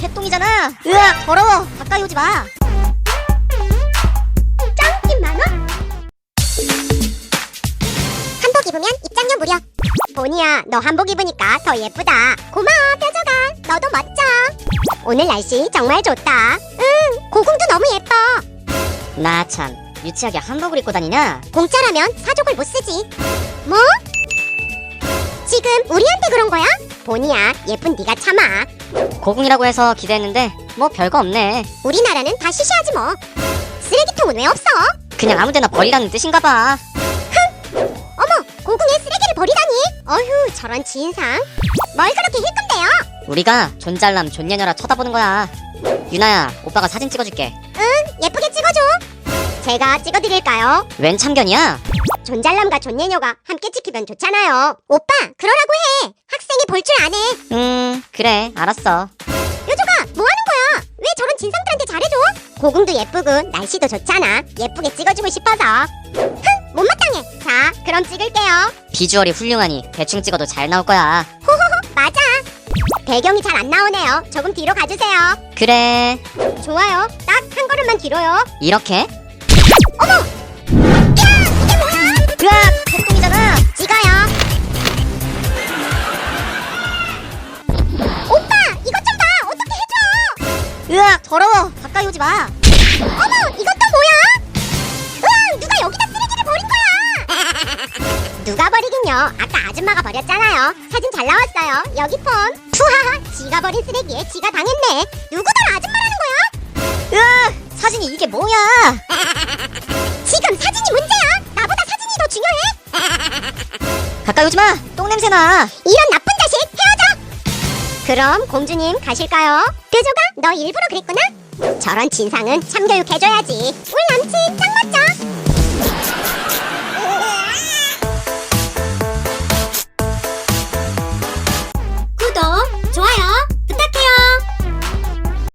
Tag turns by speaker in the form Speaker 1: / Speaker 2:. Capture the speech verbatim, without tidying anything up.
Speaker 1: 개똥이잖아. 으악, 더러워. 가까이 오지 마.
Speaker 2: 짱! 만원? 한복 입으면 입장료 무료. 보니야, 너 한복 입으니까 더 예쁘다. 고마워, 뾰족아. 너도 멋져. 오늘 날씨 정말 좋다. 응, 고궁도 너무 예뻐.
Speaker 1: 나 참, 유치하게 한복을 입고 다니냐?
Speaker 2: 공짜라면 사족을 못 쓰지. 뭐? 지금 우리한테 그런 거야? 보니야, 예쁜 네가 참아.
Speaker 1: 고궁이라고 해서 기대했는데 뭐 별거 없네.
Speaker 2: 우리나라는 다 시시하지 뭐. 쓰레기통은 왜 없어?
Speaker 1: 그냥 아무데나 버리라는 뜻인가 봐.
Speaker 2: 어머, 고궁에 쓰레기를 버리다니. 어휴, 저런 지인상. 뭘 그렇게 힐끔대요?
Speaker 1: 우리가 존잘남 존예녀라 쳐다보는 거야. 유나야, 오빠가 사진 찍어줄게.
Speaker 2: 예쁘게 찍어줘. 제가 찍어드릴까요?
Speaker 1: 웬 참견이야?
Speaker 2: 존잘남과 존예녀가 함께 찍히면 좋잖아요. 오빠, 그러라고 해. 학생이 볼 줄 아네.
Speaker 1: 음, 그래, 알았어.
Speaker 2: 요조가 뭐 하는 거야? 왜 저런 진상들한테 잘해줘? 고궁도 예쁘고 날씨도 좋잖아. 예쁘게 찍어주고 싶어서. 흥, 못마땅해. 자, 그럼 찍을게요.
Speaker 1: 비주얼이 훌륭하니 대충 찍어도 잘 나올 거야.
Speaker 2: 호호호, 맞아. 배경이 잘 안 나오네요. 조금 뒤로 가주세요.
Speaker 1: 그래,
Speaker 2: 좋아요. 딱 한 걸음만 뒤로요.
Speaker 1: 이렇게?
Speaker 2: 어머! 야, 이게 뭐야?
Speaker 1: 으악, 개똥이잖아.
Speaker 2: 찍어요. 오빠, 이것 좀 봐. 어떻게 해줘?
Speaker 1: 으악, 더러워. 가까이 오지 마.
Speaker 2: 어머, 이것 또 뭐야? 으앙, 누가 여기다 쓰레기를 버린 거야? 누가 버리긴요. 아까 아줌마가 버렸잖아요. 사진 잘 나왔어요. 여기 폰. 푸하하, 지가 버린 쓰레기에 지가 당했네. 누구더라 아줌마라는 거야?
Speaker 1: 으악, 사진이 이게 뭐야?
Speaker 2: 지금 사진이 문제야. 나보다 사진이 더 중요해.
Speaker 1: 가까이 오지 마. 똥 냄새 나.
Speaker 2: 이런 나쁜 자식, 헤어져. 그럼 공주님 가실까요? 뾰조가 너 일부러 그랬구나? 저런 진상은 참교육 해줘야지. 우리 남친 짱 멋져.